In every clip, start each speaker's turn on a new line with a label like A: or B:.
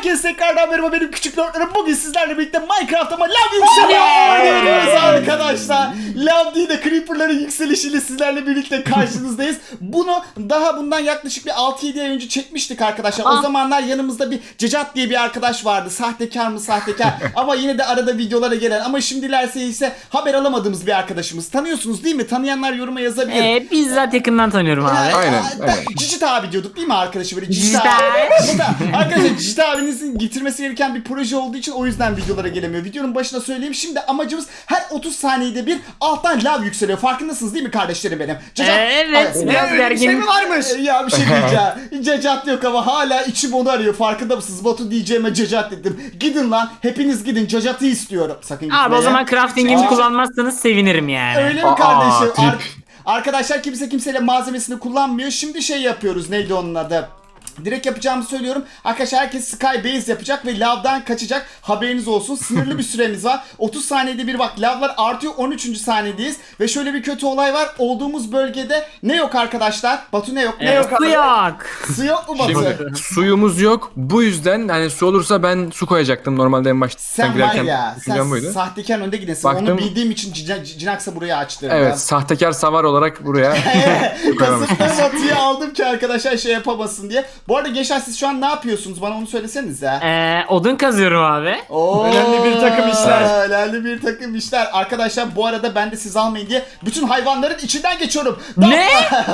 A: Herkese tekrardan merhaba benim küçük lordlarım. Bugün sizlerle birlikte Minecraft'ta lav yükseliyor arkadaşlar. Lav değil de Creeper'ların yükselişiyle sizlerle birlikte karşınızdayız. Bundan yaklaşık bir 6-7 ay önce çekmiştik arkadaşlar. O zamanlar yanımızda bir Cecat diye bir arkadaş vardı. Sahtekar mı sahtekar ama yine de arada videolara gelen ama şimdilerse ise haber alamadığımız bir arkadaşımız. Tanıyorsunuz değil mi? Tanıyanlar yoruma yazabilir.
B: Bizzat yakından tanıyorum abi.
A: Aynen. Cicit abi diyorduk değil mi arkadaşı böyle Cicit abi. Arkadaşlar Cicit abinizin getirmesi gereken bir proje olduğu için o yüzden videolara gelemiyor. Videonun başına söyleyeyim. Şimdi amacımız her 30 saniyede bir alttan lav yükseliyor. Farkındasınız değil mi kardeşlerim benim?
B: Evet. Biraz
A: bir
B: gergin.
A: şey mi varmış? Ya bir şey diyeceğim. Cecat yok ama hala içim onu arıyor. Farkında mısınız? Batu diyeceğime Cecat dedim. Gidin lan. Hepiniz gidin. Cecat'ı istiyorum. Sakın gitmeyin.
B: Abi o zaman crafting'imi kullanmazsanız sevinirim yani.
A: Öyle mi kardeşim? Arkadaşlar kimse kimseyle malzemesini kullanmıyor. Şimdi şey yapıyoruz. Neydi onun adı? Direkt yapacağımı söylüyorum. Arkadaşlar herkes Sky Base yapacak ve lavdan kaçacak. Haberiniz olsun. Sınırlı bir süremiz var. 30 saniyede bir bak lavlar artıyor. 13. saniyedeyiz. Ve şöyle bir kötü olay var. Olduğumuz bölgede ne yok arkadaşlar? Batu ne yok? Ne yok?
B: Su yok.
A: Su yok mu Batu?
C: Şimdi suyumuz yok. Bu yüzden hani su olursa ben su koyacaktım. Normalde en başta
A: Sen var ya. Sen
C: buydu.
A: sahtekar önde gidesin.
C: Baktım,
A: onu bildiğim için Cinax'a buraya açtırdım.
C: Evet, sahtekar savar olarak buraya
A: Kasıtlı Batu'yu aldım ki arkadaşlar şey yapamasın diye. Bu arada gençler siz şu an ne yapıyorsunuz? Bana onu söylesenize.
B: Odun kazıyorum abi.
A: Önemli bir takım işler. Önemli bir takım işler. Arkadaşlar bu arada ben de siz almayın diye bütün hayvanların içinden geçiyorum.
B: Ne?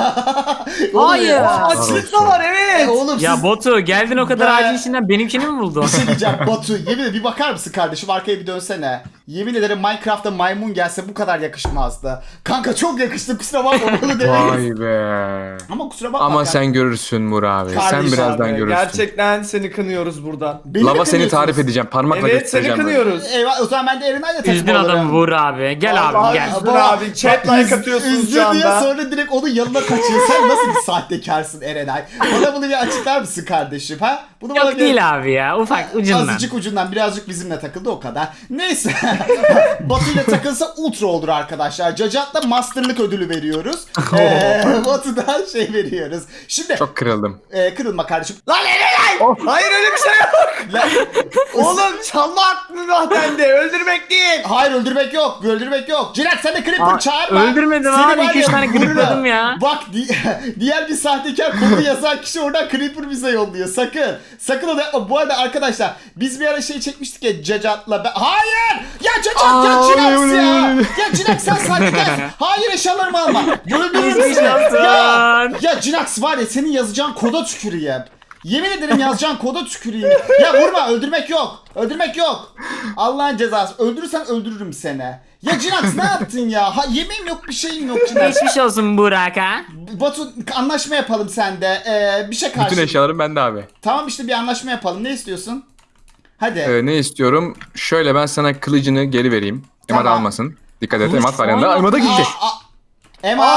B: Hayır.
A: Açlık da var evet. Oğlum
B: Ya
A: siz...
B: Botu geldin o kadar ağacın içinden benimkini mi buldun?
A: Bir şey diyeceğim Batu. Yemin ederim bir bakar mısın kardeşim? Arkaya bir dönsene. Yemin ederim Minecraft'ta maymun gelse bu kadar yakışmazdı. Kanka çok yakıştı kusura bakma bunu demeyiz.
C: Vay be.
A: Ama kusura bakma.
C: Ama sen görürsün Mur abi.
A: Kardeşim
C: Sen birazdan
A: abi,
C: görürsün.
D: Gerçekten seni kınıyoruz buradan.
A: Beni mi
C: Lava seni
A: kınıyorsunuz?
C: tarif edeceğim. Parmakla
D: Evet seni
C: göstereceğim.
D: kınıyoruz.
A: Eyvah o zaman ben de Erenay'la takım
B: Üzdün
A: olurum.
B: adamı Vur abi. Gel abi
D: Vallahi
B: gel.
D: üzdün abi. Chat like atıyorsunuz
A: Üzdü
D: şu
A: diye
D: anda.
A: sonra direkt onun yanına kaçıyor. Sen nasıl bir sahtekarsın Erenay? Bana bunu bir açıklar mısın kardeşim ha? Bunu bana
B: Yok değil abi ya. Ufak ucundan.
A: Azıcık ucundan birazcık bizimle takıldı o kadar. Neyse. Batu ile takılsa ultra olur arkadaşlar. Cacat'la masterlık ödülü veriyoruz. Batu'dan şey veriyoruz. Şimdi
C: Çok kırıldım.
A: kırılma kardeşim.
D: Lan Erenay! Hayır öyle bir şey yok. Oğlum çalma aklını zaten de öldürmek değil.
A: Hayır öldürmek yok. Öldürmek yok. Cirak sen de Creeper çağırma.
B: öldürmedim
A: Seni
B: abi,
A: var
B: 2-3
A: ya,
B: tane
A: vururum.
B: creeper'ladım ya.
A: Bak diğer bir sahtekar kodu yazan kişi oradan Creeper bize yolluyor. Sakın. Sakın onu yapma. Bu arada arkadaşlar biz bir ara şey çekmiştik ya Cacat'la. Hayır! Ya Cacat ya Cinax ya. Ya Cinax sen sahtekar. Hayır eşyalarımı alma. Öldürürüm seni. Ya Cinax var ya senin yazacağın koda tüküreyim. Yemin ederim yazacağın koda tüküreyim. Ya vurma öldürmek yok. Öldürmek yok. Allah'ın cezası. Öldürürsen öldürürüm seni. Ya Cinax ne yaptın ya? Yemeğim yok bir şeyim yok Cinax.
B: Geçmiş olsun Burak ha.
A: Batu anlaşma yapalım sende. Bir şey karşı.
C: Bütün eşyalarım bende abi.
A: Tamam işte bir anlaşma yapalım. Ne istiyorsun? Hadi.
C: Ne istiyorum? Şöyle ben sana kılıcını geri vereyim. Emad
A: Tamam.
C: almasın. Dikkat et Emad var yanında. Emad'a gitti.
A: Emad.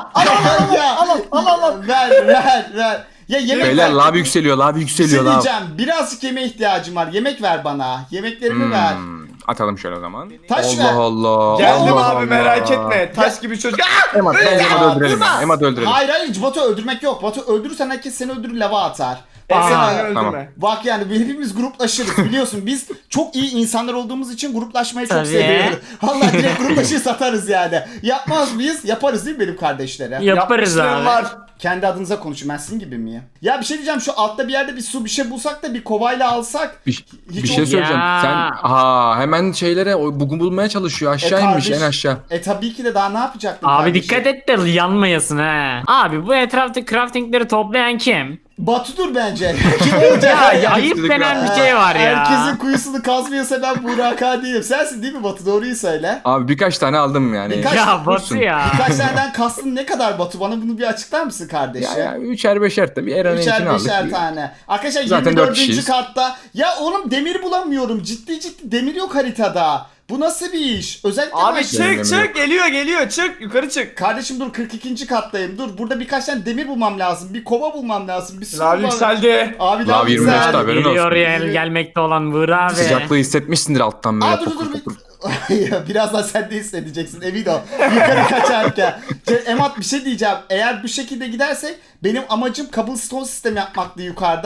A: Al. Ver. Ya yemek
C: Beyler
A: ver.
C: lav yükseliyor, lav
A: Bir
C: yükseliyor,
A: şey
C: lav.
A: diyeceğim. Birazcık yemeğe ihtiyacım var. Yemek ver bana. Yemeklerimi ver.
C: Atalım şöyle o zaman.
A: Taş ver.
C: Allah Allah.
D: Geldim
C: Allah
D: abi
C: Allah.
D: merak etme. Taş gibi çocuk.
C: Emad bence Emad'ı öldürelim ya. Emad'ı öldürelim.
A: Hayır Batu öldürmek yok. Batu öldürürsen herkes seni öldürür lava atar.
D: Sen
A: Sen
D: öldürme.
C: tamam.
A: bak yani hepimiz gruplaşırız biliyorsun biz çok iyi insanlar olduğumuz için gruplaşmayı çok
B: Tabii.
A: seviyoruz. Vallahi direkt gruplaşır satarız yani. Yapmaz mıyız? Yaparız değil mi benim kardeşlere?
B: Yaparız
D: Yapmışlığım
B: abi.
D: var.
A: Kendi adınıza konuşun ben sizin gibi miyim? Ya bir şey diyeceğim şu altta bir yerde bir su bir şey bulsak da bir kovayla alsak.
C: Bir
A: Hiç
C: şey söyleyeceğim.
B: Ya.
C: Sen hemen şeylere bugün bulmaya çalışıyor. Aşağı inmiş
A: kardeş,
C: en aşağı.
A: tabii ki de daha ne yapacaktım
B: Abi
A: kardeşim?
B: dikkat et de yanmayasın ha. Abi bu etrafta craftingleri toplayan kim?
A: Batu'dur bence. Kim olacak?
B: Ya ayıp denen bir şey var ya.
A: Herkesin kuyusunu kazmıyorsa ben Burak Ağa değilim. Sensin değil mi Batu? Doğruyu söyle.
C: Abi birkaç tane aldım yani.
A: Birkaç-
B: Ya Batu ya.
A: Birkaç taneden kastın ne kadar Batu? Bana bunu bir açıklar mısın kardeşim?
C: Ya üçer beşer tabii. Eren'in için
A: Üçer
C: aldık.
A: beşer tane. Arkadaşlar
C: Zaten
A: 24.
C: dört kişiyiz.
A: katta. Ya oğlum demir bulamıyorum. Ciddi demir yok haritada. Bu nasıl bir iş? Özellikle
D: Abi
A: ben-
D: çık geliyor çık yukarı çık.
A: Kardeşim dur 42. kattayım. Dur burada birkaç tane demir bulmam lazım. Bir kova bulmam lazım. Bir su
D: Lav
A: bulmam-
D: yükseldi.
A: Abi
C: Lav 25
A: yükseldi.
C: tabii. Haberin
B: Geliyor
C: olsun.
B: ya gelmekte olan Burak abi.
C: Sıcaklığı hissetmişsindir alttan böyle.
A: Aa dur. Birazdan sen de hissedeceksin emin ol. Yukarı kaçarken. Emat bir şey diyeceğim. Eğer bu şekilde gidersek benim amacım cobblestone sistemi yapmaktı yukarıda.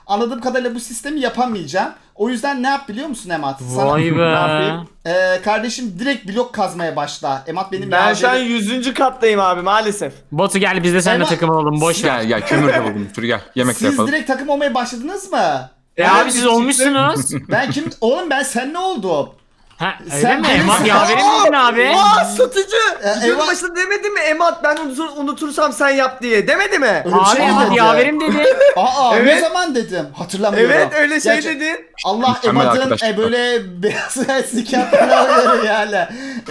A: anladığım kadarıyla bu sistemi yapamayacağım. O yüzden ne yap biliyor musun Emat?
B: Vay be.
A: Ne yapayım? Kardeşim direkt blok kazmaya başla. Emat benim
D: Ben şu an
A: yavrum.
D: 100. kattayım abi maalesef.
B: Batu gel biz de seninle
A: Eyvah.
B: takım olalım boş ver.
C: Gel kömür de buldum. Dur gel yemek de
A: Siz
C: yapalım.
A: direkt takım olmaya başladınız mı?
B: Abi siz olmuşsunuz.
A: Ben kim? Oğlum ben sen ne oldum?
B: Ha öyle
A: Sen
B: mi?
A: benim-
B: Emat yaverim miydin abi?
D: Aa satıcı. Videonun
A: Eyvah.
D: başında demedi mi Emat ben unutursam sen yap diye demedi mi?
A: Öyle bir
B: Abi
A: şey
B: Emat
A: dedi.
B: yaverim dedi.
A: Aa ne
D: Evet.
A: zaman dedim? Hatırlamıyorum.
D: Evet öyle şey
A: Gerçi-
D: dedin.
A: Allah
C: Mükemmel
A: Emad'ın
C: arkadaşlık.
A: böyle beyaz sikatlarına alıyorum yani.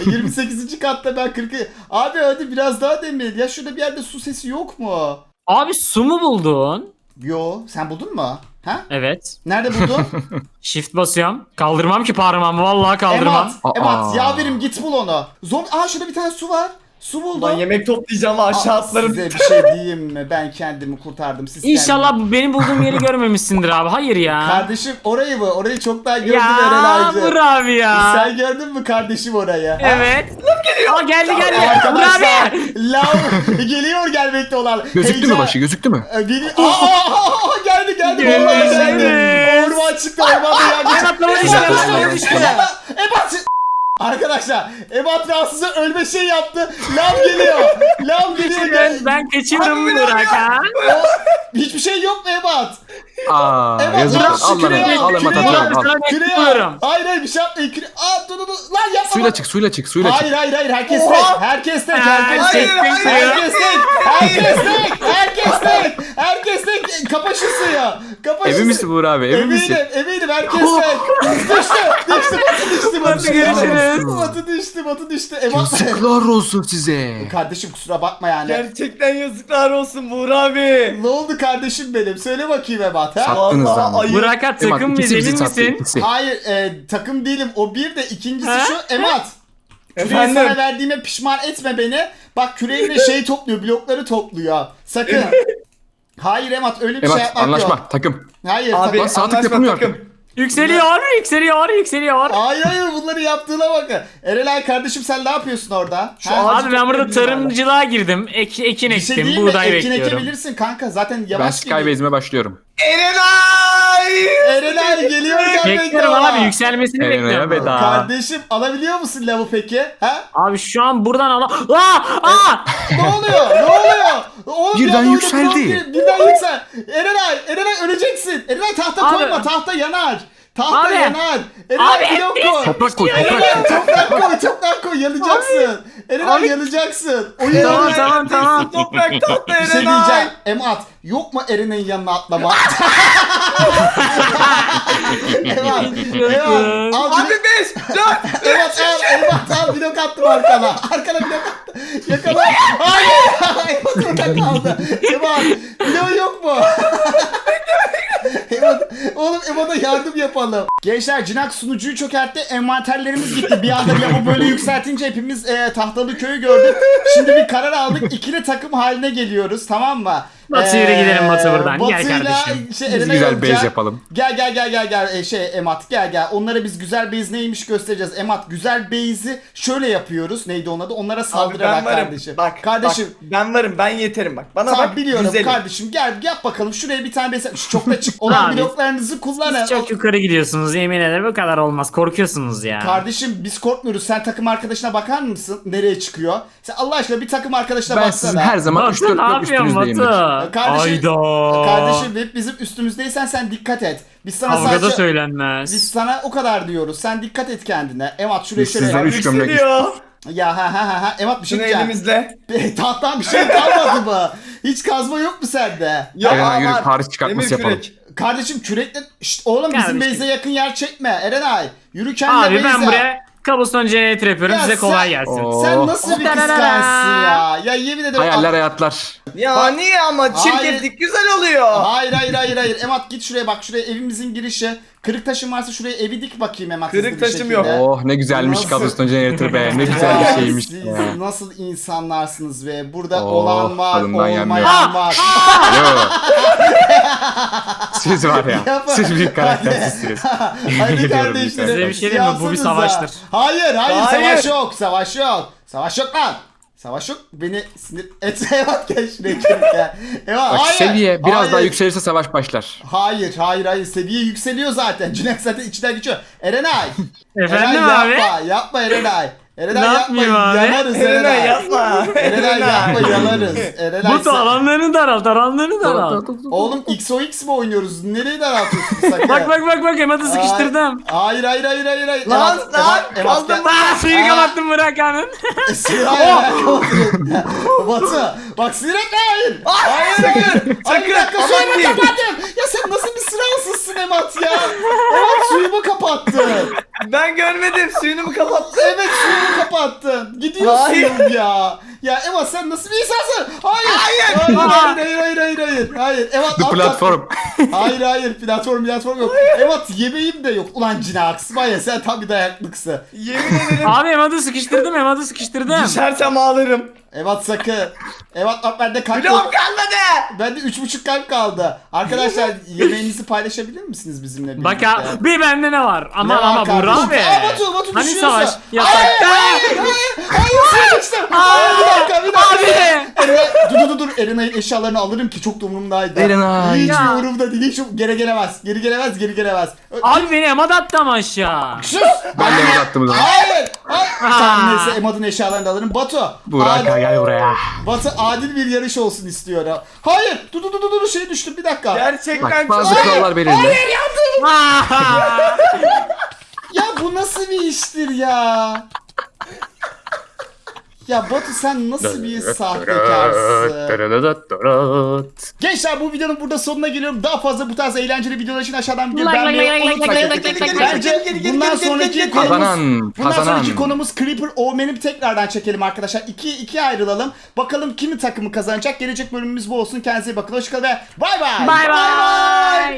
A: 28. katta ben 40. Abi hadi biraz daha demir. Ya şurada bir yerde su sesi yok mu?
B: Abi su mu buldun?
A: Yo sen buldun mu? Ha?
B: Evet.
A: Nerede buldun?
B: Shift basıyorum. Kaldırmam ki parmağımı vallahi kaldırmam.
A: Emat
C: Aa.
A: yaverim git bul onu. Aa şurada bir tane su var. Su buldum.
D: Lan yemek toplayacağım aşağı
A: Aa,
D: atlarım.
A: size bir şey diyeyim mi? Ben kendimi kurtardım. Siz
B: İnşallah
A: kendiniz-
B: bu benim bulduğum yeri görmemişsindir abi. Hayır ya.
A: Kardeşim orayı mı? Orayı çoktan gördüm
B: Ya
A: herhalde.
B: vur abi ya.
A: Sen gördün mü kardeşim orayı? Ha?
B: Evet. Aa geldi geldi. Vur
A: Arkadaşlar
B: abi.
A: lav geliyor gelmekte olan.
C: Gözüktü mü
A: Heyecan-
C: başı gözüktü mü?
A: Geliyor. Geldi geldi.
B: Geldi.
A: Vallahi geldi.
B: Evet.
A: Orman çıktı ormanda geldi.
B: Atlama düştü, atlama düştü.
A: Ebat. Arkadaşlar Ebat rahatsızı ölme şey yaptı. Lav geliyor. Lav geliyor.
B: Ben kaçıyorum Burak ha.
A: Hiçbir şey yok mu Ebat?
C: Aa
A: Ebat,
C: yazık.
A: bırak şu
C: Al
A: küreği
C: hemen
A: al,
C: al hemen
A: küreği
C: atıyorum
A: al.
C: al.
A: Küreği
B: Bekliyorum.
A: al. Hayır bir şey yapmayın. Dur. Lan yapma.
C: Suyla
A: bak.
C: çık suyla çık suyla çık.
A: Hayır herkes tek.
D: Oha.
A: Herkes tek.
B: Hayır,
A: Herkes tek.
B: hayır, hayır.
A: Herkes tek. Herkes tek. Herkes tek. Herkes tek. Kapa şu suyu. Kapa şu
C: Emin
A: suyu.
C: misin Buğra abi emin misin?
A: Eminim herkes tek. Düştü.
B: Hadi görüşürüz.
A: Batı düştü. Ebat.
C: Yazıklar olsun size.
A: Kardeşim kusura bakma yani.
D: Gerçekten yazıklar olsun Buğra abi.
A: Ne oldu kardeşim benim? Söyle bakayım Ebat ha.
C: Sattınız
D: Vallahi
C: lan.
D: ayıp.
B: Burak'a takım
C: Emat,
B: mıyız
C: ikisi bizi
B: emin
C: sattı,
B: misin?
C: ikisi.
A: Hayır takım değilim. O bir de ikincisi
B: Ha?
A: şu Emat. Küreği
D: Efendim?
A: sana verdiğime pişman etme beni. Bak küreğimle şey topluyor, blokları topluyor. Sakın. Hayır Emat öyle bir şey
C: Emat
A: yapmak
C: anlaşma
A: yok.
C: takım.
A: Hayır
D: Abi
A: takım.
C: Lan saatlik
D: anlaşma
C: yapılmıyor
D: takım.
C: artık.
B: Yükseliyor.
A: Hayır bunları yaptığına bakın. Erelay kardeşim sen ne yapıyorsun orada?
D: Şu
A: Ha?
D: ağacı
B: Abi ben burada
D: toplayabilirim
B: tarımcılığa girdim. Ekin
A: Bir şey
B: ektim,
A: değil mi?
B: buğday
A: Ekin
B: bekliyorum.
A: ekebilirsin kanka. Zaten
C: Ben
A: yavaş geliyor.
C: Skybase'ime başlıyorum.
D: Erenay!
A: Erelay geliyor gelmekte
B: Bekliyorum
A: olan.
B: abi yükselmesini
C: Erena'ya
B: bekliyorum.
C: veda.
A: Kardeşim alabiliyor musun lavı peki? Ha?
B: Abi şu an buradan Aa!
A: Ne oluyor? Oğlum
C: Birden
A: ya,
C: yükseldi.
A: Birden yüksel. Erenay öleceksin. Erenay tahta
B: Abi.
A: koyma. Tahta yanar. Tahta
B: Abi.
A: yanar. Erenay
B: Abi,
A: blok koy.
C: Toprak koy
A: Erenay
C: toprak.
A: toprak koy. Yanacaksın. Erenay yanacaksın. Oyun
B: Tamam,
A: oynuyor.
B: tamam.
D: Toprak tatlı
A: Bir şey
D: Erenay.
A: diyeceğim. Emat yok mu Erenay'ın yanına atlama? Emat. Al
D: Abi 5, 4,
A: Emat al blok attım arkana. Arkana blok attım. Yakala. Hayır. Emat orada kaldı. Emat blok yok mu? Oğlum Emat'a yardım yapalım. Gençler Cinak sunucuyu çökertti. Envanterlerimiz gitti. Bir anda ya bu böyle yükseltince hepimiz tahtalı köyü gördük. Şimdi bir karar aldık. İkili takım haline geliyoruz tamam mı?
B: Batu yürü gidelim Batu buradan. Gel
A: Batı'yla
B: kardeşim.
A: Şey,
C: Biz
A: Erenay
C: güzel
A: olacak.
C: base yapalım.
A: Gel Emat gel. Onlara biz güzel base neymiş göstereceğiz. Emat güzel base'i şöyle yapıyoruz. Neydi onun adı? Onlara
D: Abi
A: saldırarak
D: ben varım.
A: kardeşim.
D: Bak
A: kardeşim.
D: bak, ben varım ben yeterim bak. Bana
A: Tamam
D: bak
A: biliyorum
D: güzelim.
A: kardeşim. Gel yap bakalım. Şuraya bir tane base. Şu çok da çık olan
B: Abi,
A: bloklarınızı kullanın.
B: Siz çok yukarı gidiyorsunuz yemin ederim bu kadar olmaz. Korkuyorsunuz ya.
A: Kardeşim biz korkmuyoruz. Sen takım arkadaşına bakar mısın? Nereye çıkıyor? Sen Allah aşkına bir takım arkadaşına
C: Ben
A: baksana.
C: sizin her zaman
B: Batu
C: 3-4
B: ne
C: blok
B: yapıyorsun
C: üstünüzdeyimdir.
B: Batu?
A: Kardeşim,
B: Hayda.
A: kardeşim hep bizim üstümüzdeysen sen dikkat et. Biz sana
B: Kavgada
A: sadece... Biz
B: söylenmez.
A: sana o kadar diyoruz. Sen dikkat et kendine. Emat şuraya
C: Biz
A: şöyle.
C: sizden üç gömlek
D: Yükseliyor.
A: Ya ha. Emat bir şey
D: Şunu
A: diyeceğim.
D: elimizle.
A: Tahttan bir şey kalmadı mı? Hiç kazma yok mu sende?
D: Ya
C: Erenay yürü
D: var.
C: Paris çıkartması
D: Demir
C: yapalım.
D: kürek.
A: Kardeşim kürekle... Şşt, oğlum bizim
B: Kardeşim.
A: base'e yakın yer çekme. Erenay. Yürü kendine
B: Abi ben
A: base'e.
B: buraya cobblestone generator yapıyorum
A: Ya
B: size kolay
A: sen-
B: gelsin.
C: Oo.
A: Sen nasıl bir kıskançsın ya? Ya yemin ederim.
C: Hayaller hayatlar.
D: Ya
A: Bak-
D: niye ama çirkeflik güzel oluyor.
A: Hayır. Emat git şuraya bak. Şuraya evimizin girişi. Kırık taşın varsa şuraya evi dik bakayım Emat.
D: Kırık
A: hızlı bir
D: taşım
A: şekilde.
D: yok.
C: Oh ne güzelmiş
A: Nasıl?
C: Cobblestone Generator be. Ne güzel
A: Ya
C: bir şeymiş.
A: siz
C: Ya.
A: nasıl insanlarsınız be? Burada
C: Oh,
A: olan var,
C: tadından
A: olmayan
C: yenmiyor.
A: var.
C: Alo. Siz var ya.
A: Yapma.
C: Siz büyük karaktersizsiniz.
A: Hadi
C: Ediyorum
A: kardeşlerim.
B: Size bir şey diyeyim mi? Bu bir
A: yansınız
B: savaştır.
A: ha. Hayır,
D: Hayır.
A: savaş yok. Savaş yok lan. Savaş yok. Beni sinir et. Evat gel şuraya gel. Evat
C: Bak
A: hayır.
C: seviye biraz
A: Hayır.
C: daha yükselirse savaş başlar.
A: Hayır. Seviye yükseliyor zaten. Cüneyt zaten içinden geçiyor. Erenay.
B: Efendim
A: Erenay,
B: abi?
A: Yapma Erenay. Erenay
B: Ne
A: yapma.
B: yapmayayım abi?
A: Yanarız
D: Erenay
A: Erenay.
D: yapma.
A: Erenay yapma yanarız. Erenay
B: Bu da alanlarını daralt, alanlarını daralt.
A: Oğlum XOX mi oynuyoruz? Nereye daraltıyorsun sakın?
B: Bak Emat'ı sıkıştırdım.
A: Hayır.
D: Lan,
A: kaldım.
B: Suyu kapattım bırak anın.
A: Batı. Bak sinir etme hayır.
D: Sakın.
A: Ay bir dakika
D: Aman
A: suyumu
D: diyeyim.
A: kapattın. Ya sen nasıl bir sıralsızsın Emat ya? Emat suyumu kapattın.
D: Ben görmedim. Suyunu mu kapattın?
A: Evet suyumu kapattın. Gidiyorsun
D: Hayır.
A: ya. Ya Emat sen nasıl bir insansın? Hayır. Hayır. Emat
C: The
A: at,
C: platform.
A: Hayır platform yok. Emat yemeğim de yok. Ulan Cinax var ya sen tam bir dayaklıksın.
D: Yemin ederim.
B: Abi Emat'ı sıkıştırdım.
D: Düşersem ağlarım.
A: Emat sakın. Emat bak bende kalp
D: Blok
A: yok.
D: kalmadı.
A: Bende 3,5 kalp kaldı. Arkadaşlar yemeğinizi paylaşabilir misiniz bizimle birlikte?
B: Bak ya bir bende ne var?
A: Ne var
B: Ama Burak
A: kardeşim?
B: abi.
A: Batu
B: Hani
A: düşüyorsun.
B: savaş yasak.
A: Hayır sıçtım. Bir dakika.
B: Abi.
A: Dur. Erenay'ın eşyalarını alırım ki çok da umurumdaydı.
C: Erenay.
A: Hiç
B: Ya.
A: umurumda değil. Hiç geri gelemez.
B: Abi beni Emat attı ama aşağı.
A: Sus.
C: Ben de Emat attım o zaman.
A: Hayır. Tamam neyse Emad'ın eşyalarını da alırım. Batu.
C: Burak
B: Gel buraya.
A: Batu adil bir yarış olsun istiyor ha. Hayır. Dur şey düştüm bir dakika.
D: Gerçekten
C: Bak bazı
D: çok...
C: kurallar belirli.
A: Hayır yandım.
B: Ah!
A: Ya bu nasıl bir iştir ya? Ya Batu sen nasıl bir sahtekarsın? Gençler bu videonun burada sonuna geliyorum. Daha fazla bu tarz eğlenceli videolar için aşağıdan videoyu beğenmeyi unutmayın. Bence bundan sonraki konumuz
C: Kazanan.
A: konumuz Creeper Omen'i tekrardan çekelim arkadaşlar. İkiye ayrılalım. Bakalım kimin takımı kazanacak. Gelecek bölümümüz bu olsun. Kendinize iyi bakın. Hoşçakalın ve bay bay.
B: Bay bay.